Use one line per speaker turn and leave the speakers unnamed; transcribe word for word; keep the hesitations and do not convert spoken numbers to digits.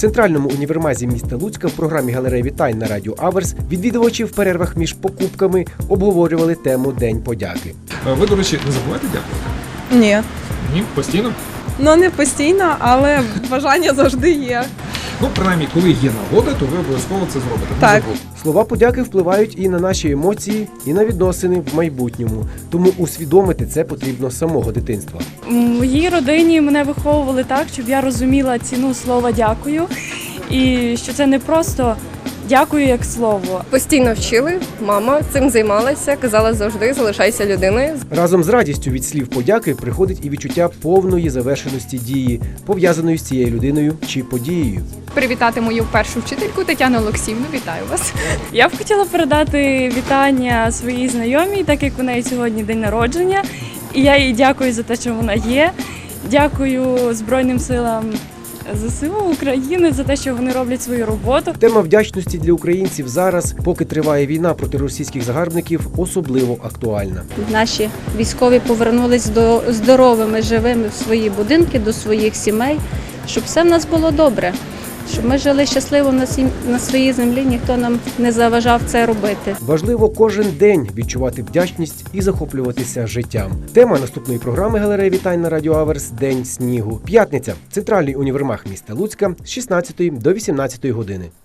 центральному універмазі міста Луцька в програмі «Галерея вітань» на радіо Аверс відвідувачі в перервах між покупками обговорювали тему День подяки.
Ви, до речі, не забуваєте дякувати?
Ні.
Ні? Постійно?
Ну, не постійно, але бажання завжди є.
Ну, принаймні, коли є нагода, то ви обов'язково це зробите. Не
Так.
забудьте.
Слова подяки впливають і на наші емоції, і на відносини в майбутньому. Тому усвідомити це потрібно з самого дитинства.
В моїй родині мене виховували так, щоб я розуміла ціну слова «дякую» і що це не просто «дякую» як слово.
Постійно вчили, мама цим займалася, казала завжди залишайся людиною.
Разом з радістю від слів подяки приходить і відчуття повної завершеності дії, пов'язаної з цією людиною чи подією.
Привітати мою першу вчительку Тетяну Олексіївну. Вітаю вас.
Я б хотіла передати вітання своїй знайомій, так як у неї сьогодні день народження. І я їй дякую за те, що вона є. Дякую Збройним силам ЗСУ України за те, що вони роблять свою роботу.
Тема вдячності для українців зараз, поки триває війна проти російських загарбників, особливо актуальна.
Наші військові повернулись до здоровими, живими в свої будинки, до своїх сімей, щоб все в нас було добре, щоб ми жили щасливо на, сім... на своїй землі, ніхто нам не заважав це робити.
Важливо кожен день відчувати вдячність і захоплюватися життям. Тема наступної програми «Галерея вітань» на радіо Аверс «День снігу». П'ятниця. Центральний універмаг міста Луцька з шістнадцятої до вісімнадцятої години.